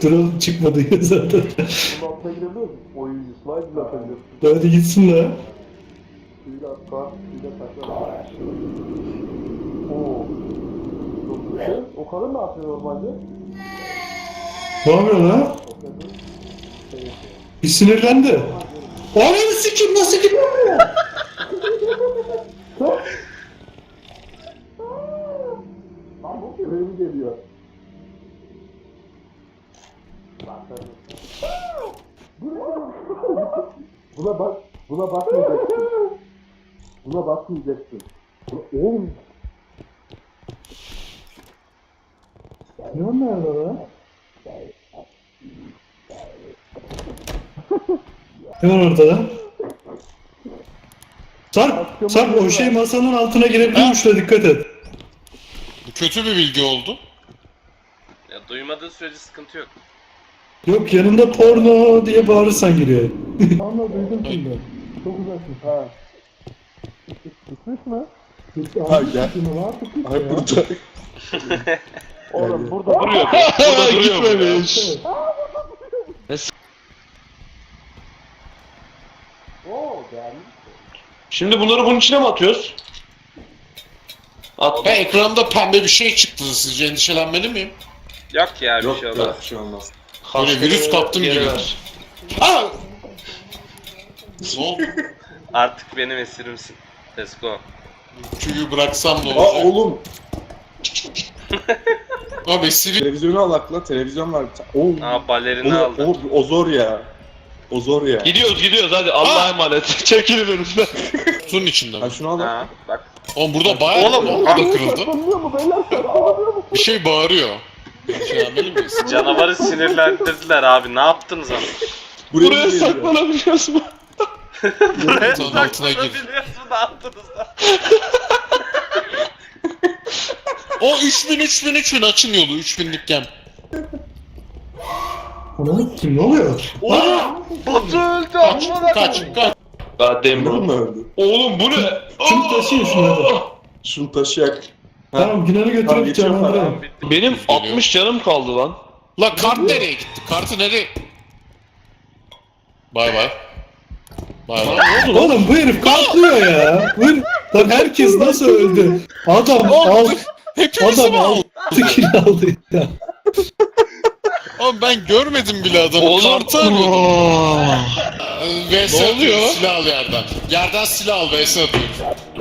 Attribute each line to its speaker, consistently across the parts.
Speaker 1: Drone çıkmadı ya zaten.
Speaker 2: Bunun altına girebiliyor musun? Oyuncu slide bile atabiliyorsun.
Speaker 1: Hadi gitsin la.
Speaker 2: Suyla atlar, suyla taklar. Oo. Çok güzel. O kadın ne yapıyor normalde?
Speaker 1: Ne yapıyor lan?
Speaker 2: O kadın şey yapıyor.
Speaker 1: Bir sinirlendi. Ananı sikim nasıl gidiyor ya?
Speaker 2: Lan bu köpeğe mi geliyor? Buna bak, buna bakmayacaksın. Buna bakmayacaksın. Oğlum.
Speaker 1: Ne onlar lan? Hemen ortada. Sarp o şey masanın altına girebiliyormuş da dikkat et.
Speaker 3: Bu kötü bir bilgi oldu.
Speaker 4: Ya duymadığı sürece sıkıntı yok.
Speaker 1: Yok yanında porno diye bağırırsan giriyor.
Speaker 2: Anla duydum şimdi. Çok uzaksın. Ha. Gitmiş mi?
Speaker 5: Ha gel. Ay burada.
Speaker 2: Oğlum burada duruyor.
Speaker 5: Burada gitmemiş.
Speaker 2: Oo gelmiş.
Speaker 6: Şimdi bunları bunun içine mi atıyoruz?
Speaker 3: Ve ekranda pembe bir şey çıktı. Sizce endişelenmeli miyim?
Speaker 4: Yok ya bir
Speaker 5: Yok
Speaker 4: şey olmaz.
Speaker 5: yok bir şey olmaz.
Speaker 3: Böyle virüs kaptım
Speaker 6: Geri
Speaker 3: gibi.
Speaker 6: ver.
Speaker 3: Aa! Ne oldu?
Speaker 4: Artık benim esirimsin. Let's go.
Speaker 3: Tüyü bıraksam ne
Speaker 5: Aa
Speaker 3: olacak?
Speaker 5: oğlum.
Speaker 3: Abi Siri...
Speaker 5: Televizyonu al akla. Televizyon var. Oo.
Speaker 4: Aa balerini aldı.
Speaker 5: O zor ya. O zor ya.
Speaker 6: Gidiyoruz hadi Allah'a emanet. Çekilin önümden.
Speaker 3: Kutunun içinde
Speaker 5: Ha
Speaker 3: mi?
Speaker 5: şunu al.
Speaker 4: Ha bak.
Speaker 3: Oğlum burada bayağı...
Speaker 4: Oğlum,
Speaker 3: Bu da kırıldı.
Speaker 2: Saklanıyor mu beyler? Saklanıyor mu?
Speaker 3: Bir şey bağırıyor. Endişelenmeli miyiz?
Speaker 4: Canavarı sinirlendirdiler abi. Ne yaptınız ama?
Speaker 6: Buraya saklanabiliyoruz mu?
Speaker 4: Buraya
Speaker 3: Kutunun altına gir.
Speaker 4: saklanabiliyorsun. Ne yaptınız lan?
Speaker 3: O 3000 açın yolu 3000'lik gem.
Speaker 1: Ananı kim ne oluyor?
Speaker 4: Oğlum! Batu öldü
Speaker 3: Kaç
Speaker 4: amına
Speaker 3: kaç
Speaker 4: koyayım.
Speaker 3: kaç.
Speaker 6: Goddamn
Speaker 5: Bunun mu
Speaker 6: bro.
Speaker 5: öldü?
Speaker 6: Oğlum bu ne?
Speaker 1: Şunu taşıyın şunu hadi.
Speaker 5: Şunu taşıyak.
Speaker 1: Tamam Günan'ı
Speaker 5: Tamam,
Speaker 1: götürüp
Speaker 5: geçiyorum
Speaker 1: canlandıralım.
Speaker 4: Tamam bitti.
Speaker 6: Benim 60 canım kaldı lan.
Speaker 3: La kart nereye gitti? Kartı nereye? Bay bay. Bay bay.
Speaker 1: Oğlum bu herif katlıyor ya. Bu herif... Lan herkes nasıl öldü? Adam al.
Speaker 3: Hepimizi
Speaker 1: Adam
Speaker 3: mi aldı?
Speaker 1: 6 kill aldı ya.
Speaker 3: Oğlum ben görmedim bile adamı.
Speaker 6: Oğlum.
Speaker 3: Kartı arıyordum. VS
Speaker 6: Ne oluyor?
Speaker 3: atıyoruz, silah al yerden. Yerden silah al VS atıyoruz.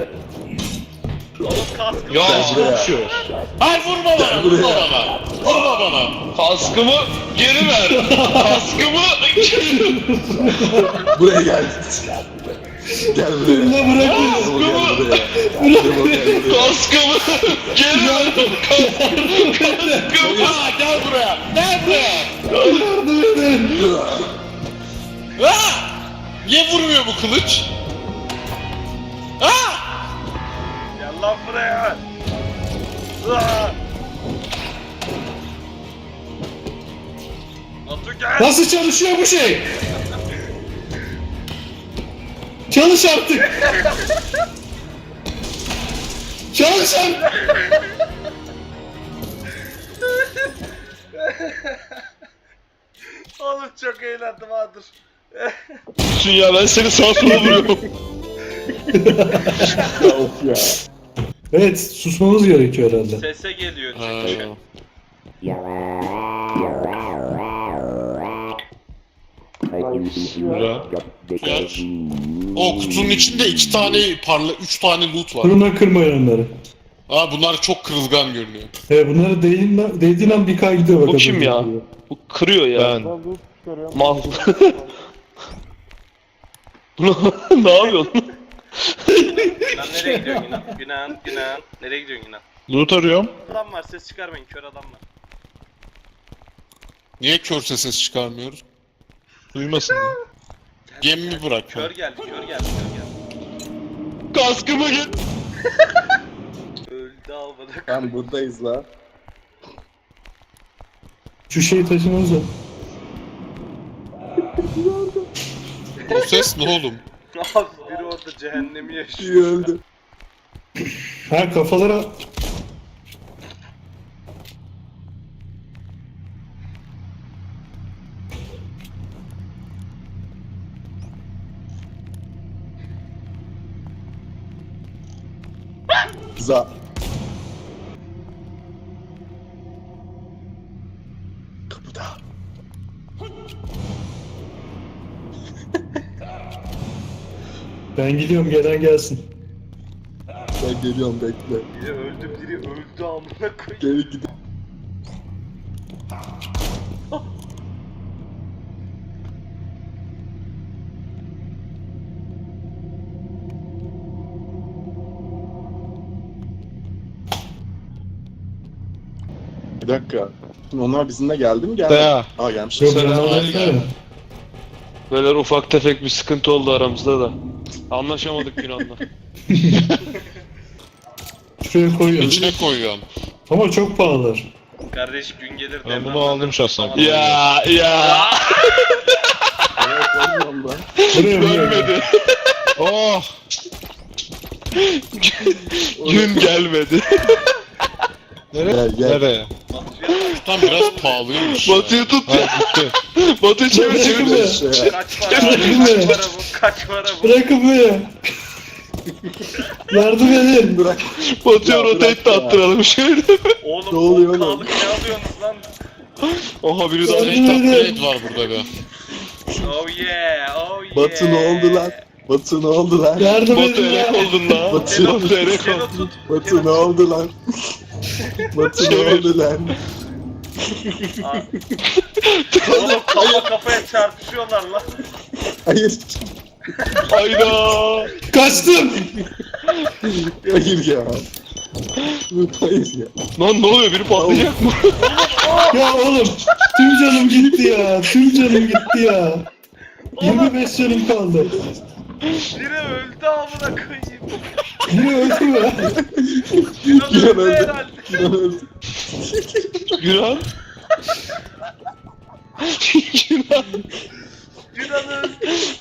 Speaker 6: Ya şu.
Speaker 3: Hayır vurma bana, vurma bana. Vurma bana.
Speaker 6: Kaskımı geri ver. Kaskımı
Speaker 5: Buraya gel. Gel buraya.
Speaker 1: Ulan bırak beni.
Speaker 5: Gel buraya.
Speaker 6: kaskımı geri ver. Kaskımı.
Speaker 3: Aa gel buraya. Gel buraya.
Speaker 1: Yardım edin.
Speaker 3: Aa! Niye vurmuyor bu kılıç? Aa!
Speaker 4: Gel lan buraya. Aa! Batu gel.
Speaker 1: Nasıl çalışıyor bu şey? Çalış artık. Çalış artık.
Speaker 4: Oğlum çok eğlendim ha dur.
Speaker 6: Ya ben seni sağa sola vuruyorum.
Speaker 5: Of ya.
Speaker 1: Evet susmamız gerekiyor herhalde.
Speaker 4: Sese geliyor
Speaker 3: Ha.
Speaker 4: çünkü.
Speaker 3: Güzel. Geç. O kutunun içinde 2 tane üç tane loot var.
Speaker 1: Kırma kırmayın onları.
Speaker 3: Aa bunlar çok kırılgan görünüyor.
Speaker 1: Bunları değdiğin an bir kay gidiyor
Speaker 6: Bu
Speaker 1: bakalım.
Speaker 6: kim ya? Bu kırıyor ya.
Speaker 2: Ben loot çıkarıyorum.
Speaker 6: Mal. Bunu ne yapıyorsun?
Speaker 4: Lan nereye gidiyorsun Yunan? Yunan. Nereye gidiyorsun Yunan?
Speaker 6: Loot arıyorum.
Speaker 4: Adam var ses çıkarmayın kör adam var.
Speaker 3: Niye körse ses çıkarmıyoruz?
Speaker 6: Duymasın.
Speaker 3: Gemimi bırak.
Speaker 4: Kör geldi kör geldi.
Speaker 6: Kaskımı git.
Speaker 4: Öldü almadı.
Speaker 5: Ben buradayız la.
Speaker 1: Şu şeyi taşımanız lazım.
Speaker 3: O ses ne oğlum?
Speaker 4: Abi biri orada cehennemi
Speaker 5: İyi
Speaker 4: yaşıyor.
Speaker 5: öldü.
Speaker 1: Ha kafalara...
Speaker 5: Güzel. Kapıda.
Speaker 1: Ben gidiyorum, gelen gelsin.
Speaker 5: Ben geliyorum bekle.
Speaker 4: Biri öldü, biri öldü amına koyayım.
Speaker 5: Geri gidip. Bir dakika. Şimdi onlar bizimle geldi mi? Geldi.
Speaker 6: Ya.
Speaker 5: Aa gelmiş.
Speaker 1: Yok,
Speaker 6: Selam,
Speaker 1: ben
Speaker 6: hadi
Speaker 1: alayım.
Speaker 6: Böyle ufak tefek bir sıkıntı oldu aramızda da. Anlaşamadık Yunan'la.
Speaker 1: Şuraya koyuyorum.
Speaker 3: İçine koyuyorsun.
Speaker 1: Ama çok pahalılar.
Speaker 4: Kardeş gün gelir
Speaker 3: Ben
Speaker 4: devran
Speaker 3: bunu aldım şahsen.
Speaker 4: Tamam.
Speaker 6: Ya.
Speaker 5: Evet, koymuyorum lan.
Speaker 1: Buraya
Speaker 6: Görmedi.
Speaker 3: Oh!
Speaker 6: Gün gelmedi.
Speaker 5: Gel gel.
Speaker 3: Nereye? Tam biraz pahalıymış ya.
Speaker 6: Batu'yu tut
Speaker 3: Ha
Speaker 6: ya.
Speaker 3: gitti.
Speaker 6: Batu'yu çevir
Speaker 1: Bırakın
Speaker 6: çevir.
Speaker 1: be.
Speaker 5: Şey,
Speaker 4: Kaç para bu? Kaç para bu? Kaç para bu?
Speaker 1: Bırakın beni. Yardım edin.
Speaker 5: bırak.
Speaker 6: Batu'ya
Speaker 5: Ya
Speaker 6: rotate
Speaker 5: bırak
Speaker 6: de
Speaker 5: ya.
Speaker 6: attıralım şöyle.
Speaker 4: Oğlum
Speaker 5: Ne oluyor
Speaker 4: 10K'lık
Speaker 5: oğlum?
Speaker 4: ne alıyorsunuz lan?
Speaker 6: Oha biri daha.
Speaker 1: Yardım
Speaker 3: Rate
Speaker 1: edin.
Speaker 3: upgrade var burada be.
Speaker 4: Oh yeah, oh yeah.
Speaker 5: Batu ne oldu lan? Batu ne oldu lan?
Speaker 1: Yardım
Speaker 6: Batu
Speaker 1: edin
Speaker 6: erek
Speaker 1: ya.
Speaker 6: oldun lan.
Speaker 5: Batu-
Speaker 6: Batu erek
Speaker 4: Seni
Speaker 6: oldun.
Speaker 4: tut.
Speaker 5: Batu ne oldu lan? Batu ne
Speaker 6: Çevir.
Speaker 5: oldu lan?
Speaker 4: Oğlum kafa kafaya çarpışıyorlar lan.
Speaker 5: Hayır.
Speaker 6: Hayda.
Speaker 1: Kaçtım.
Speaker 5: Hayır ya. Hayır ya.
Speaker 6: Lan ne oluyor biri patlayacak mı?
Speaker 1: Ya oğlum. Tüm canım gitti ya. Tüm canım gitti ya. 25 canım kaldı.
Speaker 4: Biri öldü amına koyayım.
Speaker 1: Biri öldü mü?
Speaker 4: Biraz
Speaker 5: Gülen
Speaker 4: öldü
Speaker 5: öldü.
Speaker 4: herhalde.
Speaker 5: Gülen öldü.
Speaker 6: Yunan. Yunan.
Speaker 4: Yunan öldü.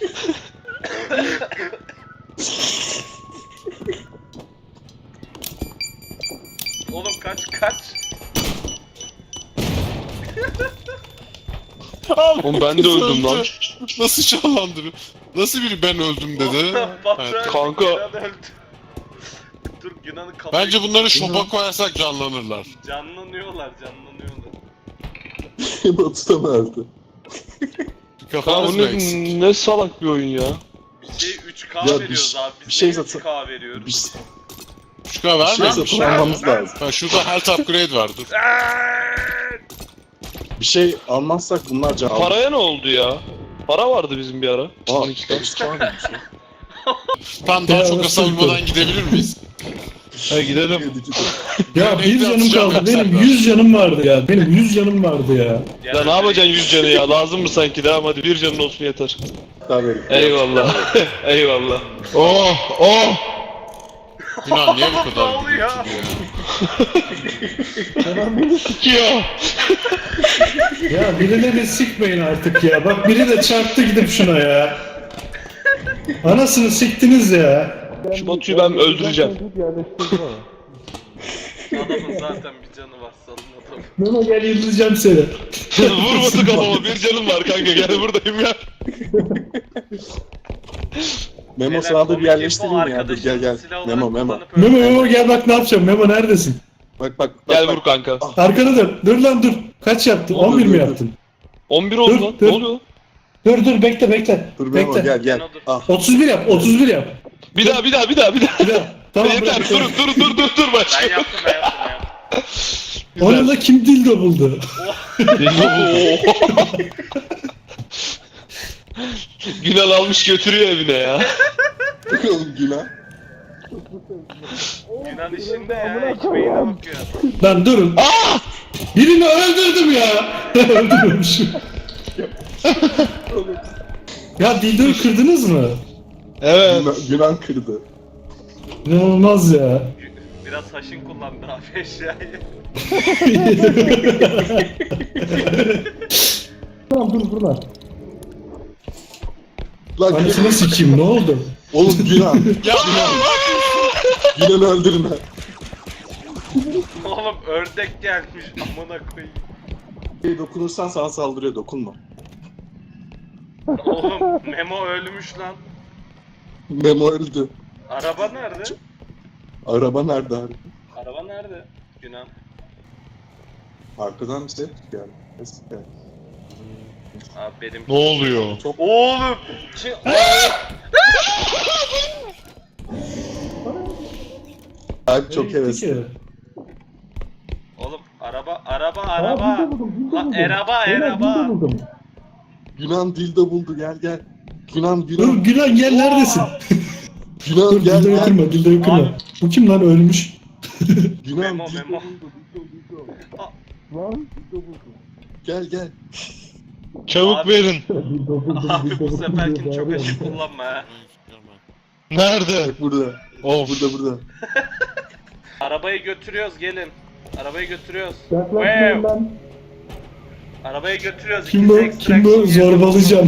Speaker 4: Oğlum kaç.
Speaker 6: Oğlum ben de öldüm lan.
Speaker 3: Nasıl çallandı? Nasıl biri ben öldüm dedi.
Speaker 4: Batu
Speaker 3: Evet.
Speaker 4: öldü,
Speaker 6: Kanka.
Speaker 4: Yunan öldü. Dur Yunan'ın kafayı...
Speaker 3: Bence bunları şopa koyarsak canlanırlar.
Speaker 4: Canlanıyorlar.
Speaker 5: Batu da mı öldü?
Speaker 6: Ya
Speaker 3: Kafanız
Speaker 6: bu
Speaker 3: mı eksik?
Speaker 6: ne salak bir oyun ya.
Speaker 4: Bir şey 3K
Speaker 5: Ya bir
Speaker 4: veriyoruz
Speaker 5: şey-
Speaker 4: abi. Biz
Speaker 5: bir şey
Speaker 4: niye
Speaker 5: satın-
Speaker 4: 3K veriyoruz?
Speaker 5: Bir,
Speaker 3: Şu kadar
Speaker 5: bir şey
Speaker 3: vermiyor
Speaker 5: satın
Speaker 3: musun?
Speaker 5: almamız lazım.
Speaker 3: Ha, şurada health upgrade var dur.
Speaker 5: Bir şey almazsak bunlar can alır.
Speaker 6: Paraya ne oldu ya? Para vardı bizim bir ara.
Speaker 5: Aa, işte var mı?
Speaker 3: Tam daha
Speaker 1: Ya,
Speaker 3: çok
Speaker 1: nasıl
Speaker 3: hasarlamadan gidebilir miyiz?
Speaker 6: Ha gidelim.
Speaker 1: Ya bir canım
Speaker 3: atacağım
Speaker 1: kaldı.
Speaker 3: ben
Speaker 1: Benim
Speaker 3: senden.
Speaker 1: 100 canım vardı ya. Benim 100 canım vardı ya.
Speaker 6: Ya ne yapacaksın 100 canı ya? Lazım mı sanki? Devam hadi bir canın olsun yeter.
Speaker 5: Tabii.
Speaker 6: Eyvallah. Eyvallah.
Speaker 3: Oh! Oh! Yunan niye bu
Speaker 4: Ne
Speaker 3: kadar
Speaker 4: oluyor?
Speaker 6: Sikiyor.
Speaker 1: Ya birileri sikmeyin artık ya. Bak biri de çarptı gidip şuna ya. Anasını siktiniz ya.
Speaker 6: Şu Batu'yu ben öldüreceğim.
Speaker 4: Adamın zaten bir canı var salın adamı.
Speaker 1: Memo gel yıldıracağım seni.
Speaker 6: Vur Batu kafama bir canım var kanka gel buradayım ya.
Speaker 5: Memo sana da bir yerleştireyim ya. Dur gel gel. Memo Memo.
Speaker 1: Memo gel bak ne yapacağım. Memo neredesin?
Speaker 5: Bak bak.
Speaker 6: Gel
Speaker 5: bak.
Speaker 6: vur kanka.
Speaker 1: Arkana dön. Dur lan dur. Kaç yaptın?
Speaker 5: Dur,
Speaker 1: 11
Speaker 5: dur,
Speaker 1: mi
Speaker 5: dur.
Speaker 1: yaptın?
Speaker 6: 11 oldu
Speaker 1: Dur,
Speaker 6: lan.
Speaker 1: dur.
Speaker 6: Ne oluyor?
Speaker 1: Dur bekle.
Speaker 5: Dur Memo
Speaker 1: Bekle.
Speaker 5: gel gel.
Speaker 4: Dur.
Speaker 5: Ah.
Speaker 1: 31 yap. 31 yap.
Speaker 6: Bir daha.
Speaker 1: Bir daha. Tamam
Speaker 6: Yeter
Speaker 1: bırak.
Speaker 6: dur
Speaker 4: Ben
Speaker 6: başka.
Speaker 4: yaptım.
Speaker 1: Onu da kim dildo buldu?
Speaker 6: Günal almış götürüyor evine ya.
Speaker 5: Oğlum günah.
Speaker 4: Yunan işinde ya ekmeğine bakıyor.
Speaker 1: Lan durun. Birini öldürdüm ya. Öldürmüşüm. Ya dildoyu kırdınız mı?
Speaker 3: Evet.
Speaker 5: Günah kırdı.
Speaker 1: İnanılmaz ya.
Speaker 4: Biraz haşin kullandı abi eşyayı.
Speaker 1: Tamam dur lan.
Speaker 5: Lan
Speaker 1: Anasını sikeyim ne oldu?
Speaker 5: oğlum günah.
Speaker 3: Ya
Speaker 5: Günah öldürme.
Speaker 4: Oğlum ördek gelmiş amına koyayım.
Speaker 5: Dokunursan sana saldırıyor dokunma.
Speaker 4: Oğlum Memo ölmüş lan.
Speaker 5: Memo öldü.
Speaker 4: Araba nerede?
Speaker 5: Araba nerede abi?
Speaker 4: Araba nerede? Günah.
Speaker 5: Arkadan bir ses geldi. Ses geldi.
Speaker 4: Abi benim...
Speaker 3: Ne oluyor?
Speaker 4: Oğlum!
Speaker 5: Abi çok
Speaker 1: Gitti
Speaker 5: hevesli.
Speaker 1: ki.
Speaker 4: Oğlum araba.
Speaker 5: Yunan dildo buldu, gel gel. Yunan
Speaker 1: Dur
Speaker 5: Yunan
Speaker 1: Gülen gel neredesin?
Speaker 5: Yunan
Speaker 1: Dur
Speaker 5: gel
Speaker 1: dildoyu
Speaker 5: gel.
Speaker 1: kırma dildoyu kırma.
Speaker 4: Abi.
Speaker 1: Bu kim lan ölmüş?
Speaker 5: Yunan
Speaker 4: Memo,
Speaker 5: dildo
Speaker 4: Memo.
Speaker 5: buldu, dildo. Lan dildo buldu. Gel gel.
Speaker 6: Çabuk
Speaker 4: Abi.
Speaker 6: verin.
Speaker 4: Abi bu seferkin çok aşık kullanma ha.
Speaker 6: Nerede?
Speaker 5: Bak burada.
Speaker 6: Of.
Speaker 5: Burada.
Speaker 4: Arabayı götürüyoruz gelin. Arabayı götürüyoruz.
Speaker 1: Yaklaşmayın
Speaker 4: Wow.
Speaker 1: lan.
Speaker 4: Arabayı götürüyoruz.
Speaker 1: Kim bu?
Speaker 4: İkisi
Speaker 1: Kim bu?
Speaker 4: extraction yiyor.
Speaker 1: Zorbalayacağım.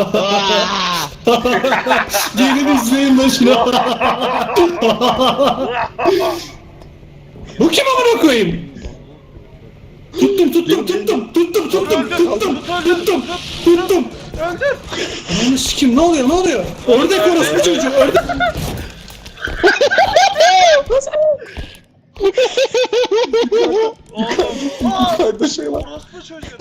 Speaker 1: Gelin izleyin lan şunu. Bu kim amına koyayım? Tuttum.
Speaker 4: Öldür.
Speaker 1: Ananı sikim ne oluyor? Ördek orospu çocuğu ördek.
Speaker 5: Yukarıda şey var.
Speaker 4: Orospu çocuğu.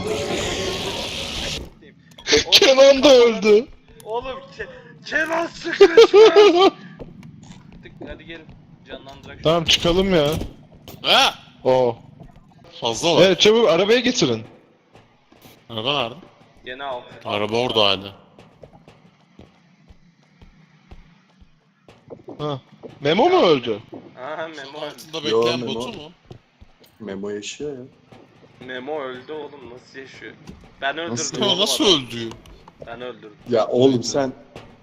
Speaker 6: Kenan da öldü.
Speaker 4: Oğlum Kenan sıkışmış. Hadi gelin. Canlandırak şunu.
Speaker 6: Tamam çıkalım ya.
Speaker 3: Ha?
Speaker 6: Oh.
Speaker 3: Fazla var.
Speaker 6: Evet çabuk arabaya getirin.
Speaker 3: Araba nerede?
Speaker 4: Yeni al.
Speaker 3: Araba orada hala.
Speaker 6: Ha. Memo mu öldü?
Speaker 4: Aha Memo öldü.
Speaker 3: Altında
Speaker 5: Yo,
Speaker 3: bekleyen
Speaker 5: Memo.
Speaker 3: botu mu?
Speaker 5: Memo yaşıyor ya.
Speaker 4: Memo öldü oğlum nasıl yaşıyor? Ben öldürdüm
Speaker 5: Nasıl?
Speaker 4: oğlum
Speaker 3: Ya nasıl
Speaker 4: adamı.
Speaker 3: öldü?
Speaker 4: Ben öldürdüm.
Speaker 5: Ya oğlum sen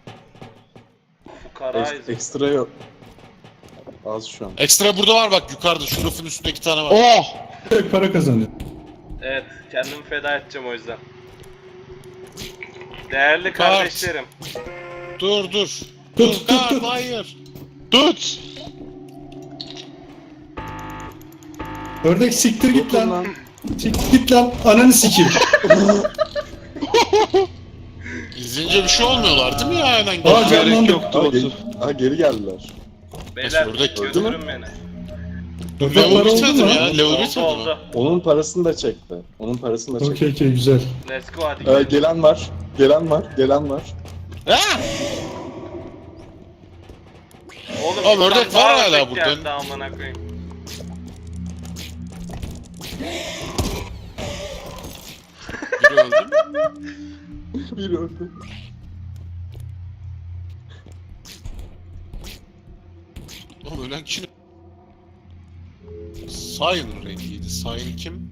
Speaker 4: Fukarayız.
Speaker 5: ekstra yok. Az şu an.
Speaker 3: Ekstra burada var bak yukarıda. Şu rafın üstünde 2 tane var.
Speaker 6: Oh!
Speaker 1: Para kazanıyor.
Speaker 4: Evet kendimi feda edeceğim o yüzden. Değerli
Speaker 3: Kart.
Speaker 4: kardeşlerim.
Speaker 3: Dur.
Speaker 1: Tut,
Speaker 3: Dur
Speaker 1: tut,
Speaker 3: kart
Speaker 1: tut.
Speaker 3: hayır.
Speaker 6: Tut!
Speaker 1: Ördek siktir git
Speaker 5: Dokun
Speaker 1: lan. Siktir git lan. Ananı sikeyim.
Speaker 3: İzleyince bir şey olmuyorlar değil mi ya aynen?
Speaker 1: Aa,
Speaker 6: Gerek
Speaker 1: canlandı.
Speaker 6: yoktu
Speaker 5: Aa,
Speaker 6: Batu.
Speaker 5: geri geldiler.
Speaker 4: Beyler
Speaker 3: ördek
Speaker 5: öldü mü?
Speaker 4: götürün beni.
Speaker 3: Dur
Speaker 1: Ördek
Speaker 3: level
Speaker 1: para oldu
Speaker 3: bitmedi
Speaker 1: mu?
Speaker 3: mi ya? Level
Speaker 4: Oldu
Speaker 3: bitmedi mi?
Speaker 4: oldu.
Speaker 5: Onun parasını da çekti.
Speaker 1: Okey güzel.
Speaker 4: Let's go hadi gidelim.
Speaker 5: Gelen var.
Speaker 3: Ha?
Speaker 4: Oğlum
Speaker 3: Oğlum,
Speaker 4: bir
Speaker 3: ördek
Speaker 4: tane
Speaker 3: var
Speaker 4: daha
Speaker 3: hala
Speaker 4: ördek
Speaker 3: burada.
Speaker 4: geldi, amına koyayım.
Speaker 3: Biri öldü mü?
Speaker 5: Biri öldü.
Speaker 3: Oğlum ölen kişi... Sion rengiydi. Sion kim?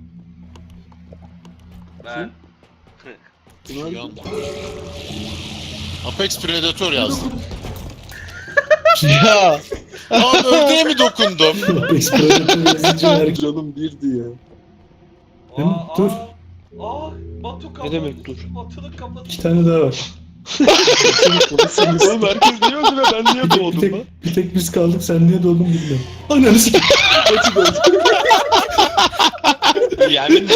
Speaker 4: Ben.
Speaker 3: Yan. Apex Predator yazdım.
Speaker 6: Ya!
Speaker 3: Abi ördeğe mi dokundum?
Speaker 1: Explorator yazıcı herkes.
Speaker 5: Canım birdi ya.
Speaker 1: Dur.
Speaker 4: Batu kapalı.
Speaker 6: Ne demek dur?
Speaker 4: Batu'nun kafası.
Speaker 1: 2 tane daha var.
Speaker 6: Oğlum herkes niye öldü ve ben niye doğdum lan?
Speaker 1: Bir tek biz kaldık sen niye doğdun bilmiyorum. Ananı sikeyim.
Speaker 6: Yani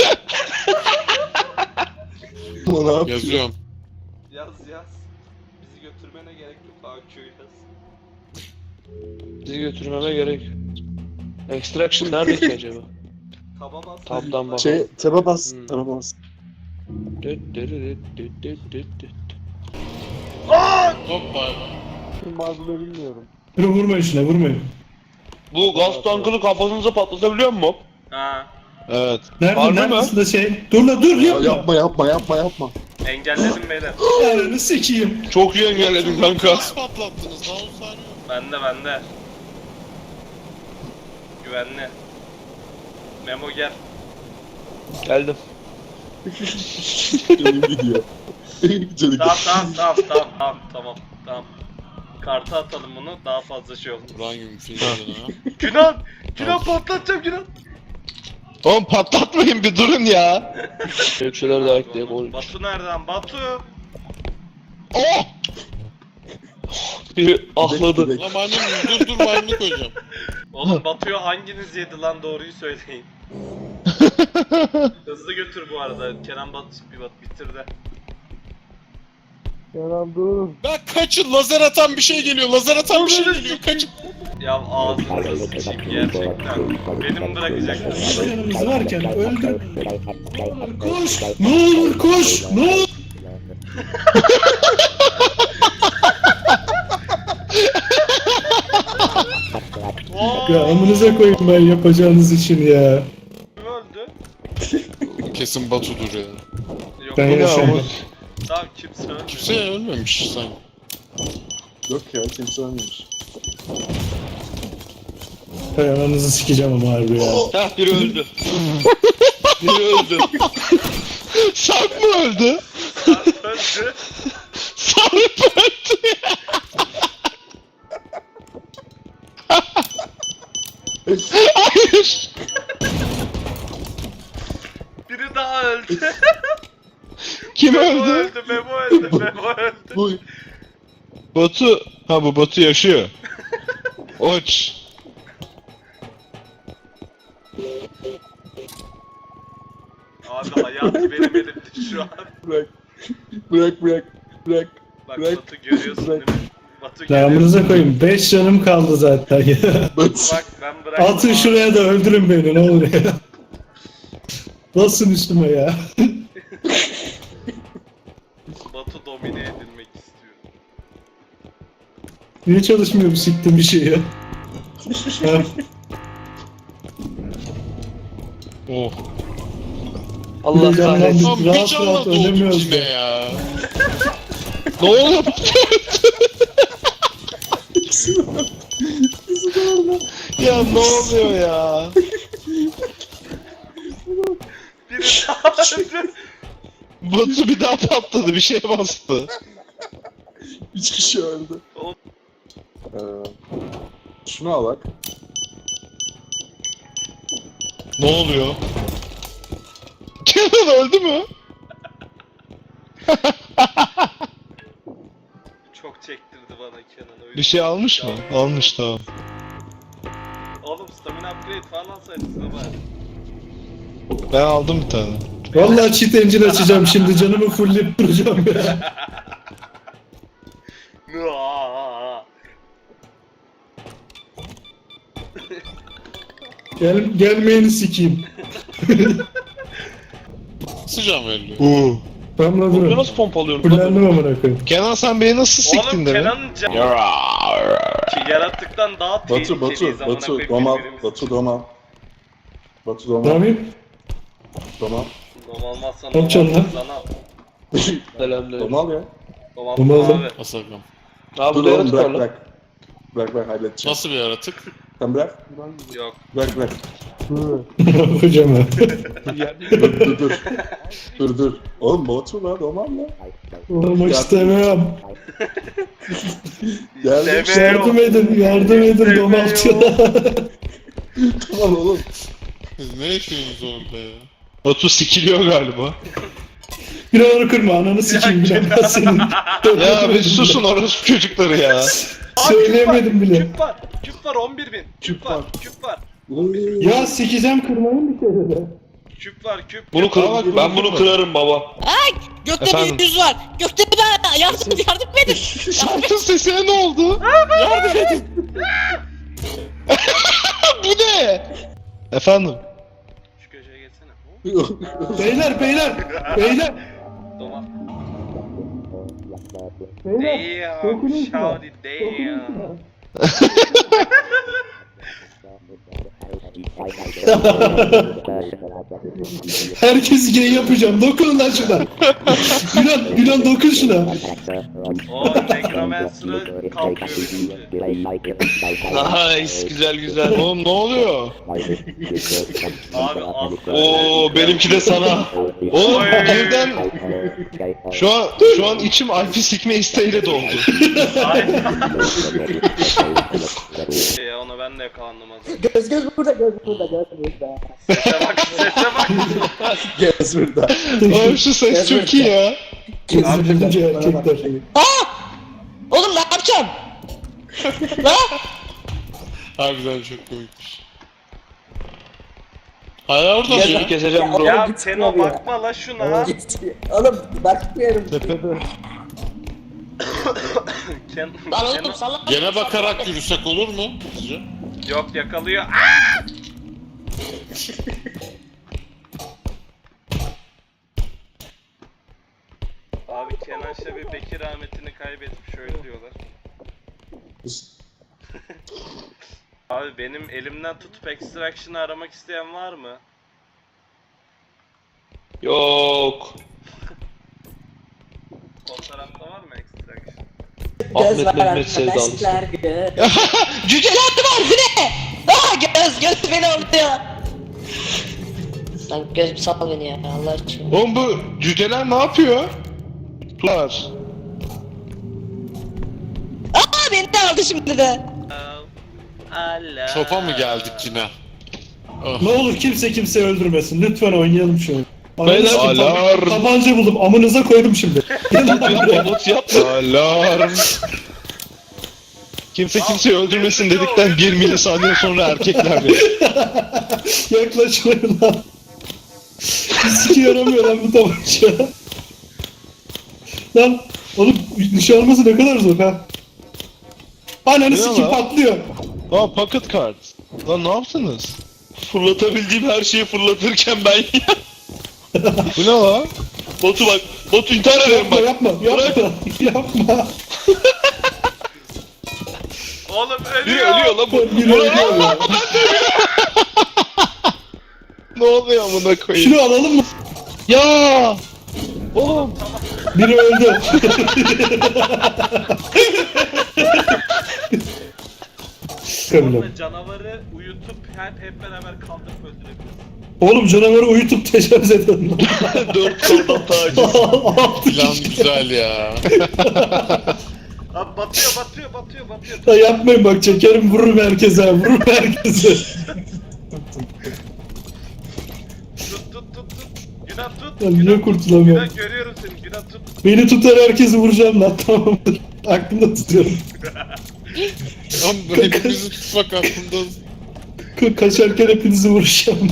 Speaker 5: Ama ne yapayım?
Speaker 3: Yazıyorum.
Speaker 4: Yaz. Bizi götürmene gerek yok. AQ yaz.
Speaker 6: bizi götürmeme gerek. Extraction nerede ki acaba?
Speaker 4: Taba bas.
Speaker 6: Tab'dan bak.
Speaker 5: Taba bas.
Speaker 6: Hmm.
Speaker 5: Taba bas.
Speaker 3: Hoppa.
Speaker 5: Bazıları bilmiyorum.
Speaker 1: Dur vurmayın şuna vurmayın.
Speaker 6: Bu gaz tankını kafanıza patlatabiliyor mu?
Speaker 4: Ha.
Speaker 6: Evet.
Speaker 1: Nerede neredesin da şey? Dur la dur yapma.
Speaker 5: Yapma.
Speaker 4: Engelledim beyler.
Speaker 1: Ananı sikeyim.
Speaker 6: Çok iyi engelledin kanka.
Speaker 3: Nasıl patlattınız? Daha 10 saniye.
Speaker 4: Bende. Güvenli. Memo gel.
Speaker 6: Geldim.
Speaker 5: Canım gidiyor. Canım
Speaker 4: Tamam. Kartı atalım bunu daha fazla şey olmaz.
Speaker 3: Buran gibi bir film ha.
Speaker 4: Günan patlatacağım Günan.
Speaker 6: Oğlum patlatmayın bir durun ya. Bir şeyler daha ekleyeyim.
Speaker 4: Batu nereden? Batu.
Speaker 6: Oh! Biri ahladı.
Speaker 3: Lan maymun dur maymunlu koyacağım.
Speaker 4: Oğlum Batu'yu hanginiz yedi lan doğruyu söyleyin. Hızlı götür bu arada. Kenan bitirdi.
Speaker 5: Kenan dur.
Speaker 3: Ben kaçın lazer atan bir şey geliyor. Kaçın.
Speaker 4: Ya ağzınızı sıçayım gerçekten. Benim bırakacak.
Speaker 1: 5 canımız varken öldür. Koş! Ne olur koş! Ne olur! Ya amınıza koyayım ben yapacağınız için ya.
Speaker 4: Kim öldü?
Speaker 3: Kesin Batu'dur ya.
Speaker 4: Yok.
Speaker 1: Ben yaşıyorum.
Speaker 4: Tamam kimse ölmedi.
Speaker 3: Kimse ölmemiş sanki.
Speaker 5: Yok ya kimse ölmemiş.
Speaker 1: Hay ananızı sikeceğim ama harbi ya.
Speaker 6: Heh biri öldü. Biri öldü. Sarp mı öldü?
Speaker 4: Öldü.
Speaker 6: Sarp öldü ya. Hayır.
Speaker 4: Biri daha öldü.
Speaker 6: Kim
Speaker 4: Memo
Speaker 6: öldü?
Speaker 4: öldü. Memo öldü. Memo öldü.
Speaker 5: Bu
Speaker 6: Batu. Ha bu Batu yaşıyor. Oç.
Speaker 4: Abi hayat benim elimde şu an.
Speaker 5: bırak.
Speaker 4: Bak
Speaker 5: Bırak.
Speaker 4: Batu görüyorsun değil mi? Batu
Speaker 1: Ya
Speaker 4: görüyorsun.
Speaker 1: amınıza koyayım 5 canım kaldı zaten ya.
Speaker 4: Bak ben bıraktım.
Speaker 1: Atın
Speaker 4: abi.
Speaker 1: şuraya da öldürün beni ne olur ya. Basın üstüme ya.
Speaker 4: Batu domine edilmek istiyor.
Speaker 1: Niye çalışmıyor bu siktim bir şey ya? Ha,
Speaker 6: Oh. Allah
Speaker 1: Heyecanlandım.
Speaker 6: kahretsin.
Speaker 3: Lan bir
Speaker 1: Rahat
Speaker 3: canla
Speaker 1: rahat
Speaker 3: doğduk
Speaker 1: ölemiyoruz
Speaker 3: yine
Speaker 1: da.
Speaker 3: ya.
Speaker 6: Ne oluyor Batu? Ya ne oluyor ya?
Speaker 4: Biri daha öldü.
Speaker 6: Batu bir daha patladı, bir şey bastı.
Speaker 5: 3 kişi öldü.
Speaker 4: Oğlum.
Speaker 5: Şunu al bak.
Speaker 6: Ne oluyor? Kenan öldü mü?
Speaker 4: Çok çektirdi bana Kenan o yüzden.
Speaker 6: Bir şey almış mı? Almış tamam.
Speaker 4: Oğlum stamina upgrade falan alsaydınız ne bari.
Speaker 6: Ben aldım bir tane.
Speaker 1: Vallahi cheat engine açacağım şimdi canımı fullleyip duracağım ya.
Speaker 4: Nuaa.
Speaker 1: Gelmeyeni sikeyim.
Speaker 3: Sıcağım öldü.
Speaker 1: Tamam lan
Speaker 6: Bunu
Speaker 1: durun.
Speaker 6: nasıl pompalıyorum?
Speaker 1: Fullendim amına koyayım.
Speaker 6: Kenan sen beni nasıl siktin
Speaker 4: Oğlum
Speaker 6: demin?
Speaker 4: Kenan'ın canı ki yaratıktan daha tehlikeliyiz amına koyayım
Speaker 5: domal.
Speaker 4: birbirimize.
Speaker 5: Batu domal. Batu
Speaker 1: Ne
Speaker 5: domal.
Speaker 1: yapayım?
Speaker 5: Domal.
Speaker 4: Dom olmazsan
Speaker 1: Yok canım lan.
Speaker 4: sana.
Speaker 6: Selamünaleyküm.
Speaker 5: Domal ya.
Speaker 4: Dom
Speaker 1: Dom
Speaker 4: aldım
Speaker 1: aldım.
Speaker 4: abi.
Speaker 3: Asakam.
Speaker 6: Abi
Speaker 5: Dur
Speaker 6: burada
Speaker 5: oğlum
Speaker 6: yaratık var
Speaker 5: bırak
Speaker 6: lan.
Speaker 5: bırak. Bırak halledeceğim.
Speaker 3: Nasıl bir yaratık?
Speaker 5: Sen bırak.
Speaker 4: Yok.
Speaker 5: Bırak.
Speaker 1: Hocam ha.
Speaker 5: Dur. Oğlum Batu la domal la.
Speaker 1: Olmak istemiyorum.
Speaker 5: Geldim.
Speaker 4: Deme.
Speaker 1: Yardım edin domaltı.
Speaker 5: Tamam oğlum.
Speaker 3: Siz ne yaşıyorsunuz orada ya?
Speaker 6: Batu sikiliyor galiba.
Speaker 1: Biraları kırma ananı sikeyim bile ben senin.
Speaker 6: Ya bir susun orası çocukları ya.
Speaker 1: Söyleyemedim bile.
Speaker 4: Küp var. Küp var 11.000. Küp var. Küp var.
Speaker 1: Ya sikeceğim kırmayın bir kere de.
Speaker 4: Küp var. Küp.
Speaker 6: Bunu kır, ben bunu kırarım baba.
Speaker 7: Gökte
Speaker 6: Efendim?
Speaker 7: bir yüz var. Gökte bir daha yardım edin.
Speaker 6: Şarkın sesine ne oldu? Yardım edin. Bu ne? Efendim?
Speaker 4: Şu köşeye geçsene.
Speaker 1: Beyler.
Speaker 4: Doma.
Speaker 1: Beyler.
Speaker 4: Damn.
Speaker 1: dokunun şuna.
Speaker 4: Shawty damn.
Speaker 1: Herkes gay yapacağım. Dokunun lan şuna. Gülen dokun şuna.
Speaker 4: O Necromancer'ı kalkıyor benimki.
Speaker 6: Nice, güzel. Oğlum ne oluyor?
Speaker 4: Abi asla.
Speaker 6: Oo benimki de sana. Oğlum birden şu an içim Alp'i sikme isteğiyle doldu.
Speaker 4: Ya ona ben de yakalandım az önce.
Speaker 2: Göz burada.
Speaker 4: Sese bak sese bak.
Speaker 5: Gez burada.
Speaker 6: Oğlum şu ses çok iyi ya.
Speaker 1: Kesinlikle erkekler.
Speaker 7: Oğlum ne yapacağım?
Speaker 3: Harbiden çok komikmiş. Hala orada mı ya?
Speaker 6: Keseceğim bro.
Speaker 4: Ya Teno bakma la şuna.
Speaker 2: Oğlum bakmıyorum.
Speaker 7: Lan oğlum salla.
Speaker 3: Gene bakarak yürüsek olur mu sizce?
Speaker 4: Yok yakalıyor. Abi Kenan Şebi Bekir rahmetini kaybetmiş öyle diyorlar. Abi benim elimden tutup extraction'ı aramak isteyen var mı?
Speaker 6: Yok.
Speaker 4: O tarafta var mı extraction?
Speaker 6: Ahmet Mehmet sevdalısı.
Speaker 7: Cüceler var bu ne? Göz beni alıyor. Lan göz bir sal beni ya Allah aşkına.
Speaker 6: Oğlum bu cüceler ne yapıyor? Tular.
Speaker 7: Beni de aldı şimdi de.
Speaker 4: Allah.
Speaker 3: Topa mı geldik yine? Ah.
Speaker 1: Ne olur kimse kimseyi öldürmesin. Lütfen oynayalım şunu.
Speaker 6: Beyler, alarm.
Speaker 1: Tabanca buldum. Amınıza koydum şimdi.
Speaker 6: Umut yapma. Alarm. Kimse kimseyi öldürmesin dedikten 1 milisaniye sonra erkekler de.
Speaker 1: Yaklaşmayın lan. Siki yaramıyor lan bu tabanca. Lan oğlum nişan alması ne kadar zor ha. Ananı
Speaker 6: Ne
Speaker 1: sikim
Speaker 6: lan?
Speaker 1: patlıyor.
Speaker 6: Aa pocket card. Lan ne yaptınız? Fırlatabildiğim her şeyi fırlatırken ben Bu ne la? Batu bak. Batu intihar ederim
Speaker 1: Yapma
Speaker 6: bak.
Speaker 1: yapma yapma.
Speaker 4: Oğlum
Speaker 6: Biri
Speaker 4: ölüyor.
Speaker 6: ölüyor lan bu.
Speaker 1: Biri ölüyor ya.
Speaker 6: Ne oluyor amına koyayım?
Speaker 1: Şunu alalım mı?
Speaker 6: Ya! Oğlum.
Speaker 1: Biri öldü.
Speaker 4: Sonra canavarı uyutup hep beraber kaldırıp öldürebiliriz.
Speaker 1: Oğlum canavarı uyutup tecavüz edelim lan.
Speaker 6: 4 koldan taciz.
Speaker 1: Altı
Speaker 3: Plan
Speaker 1: kişi.
Speaker 3: güzel ya.
Speaker 4: Abi batıyor.
Speaker 1: Ya yapmayın bak çekerim vururum herkese vururum herkese.
Speaker 4: Tut. Günah tut.
Speaker 1: Ya niye kurtulamıyorum?
Speaker 4: Günah görüyorum seni. Günah tut.
Speaker 1: Beni tutar herkesi vuracağım lan tamamdır. Aklımda tutuyorum.
Speaker 3: Lan hepimizi tutmak aklımda.
Speaker 1: Kaçarken hepinizi vuracağım.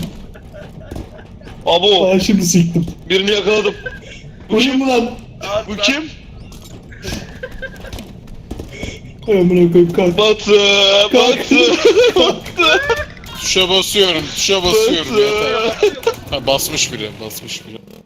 Speaker 6: Abo.
Speaker 1: Aa şimdi siktim.
Speaker 6: Birini yakaladım.
Speaker 1: Vurayım mı lan?
Speaker 6: Bu kim?
Speaker 1: Ay amına koyayım kalk.
Speaker 6: Batı.
Speaker 1: Kalk.
Speaker 6: Batı.
Speaker 3: Tuşa basıyorum. Yeter. Ha basmış biri.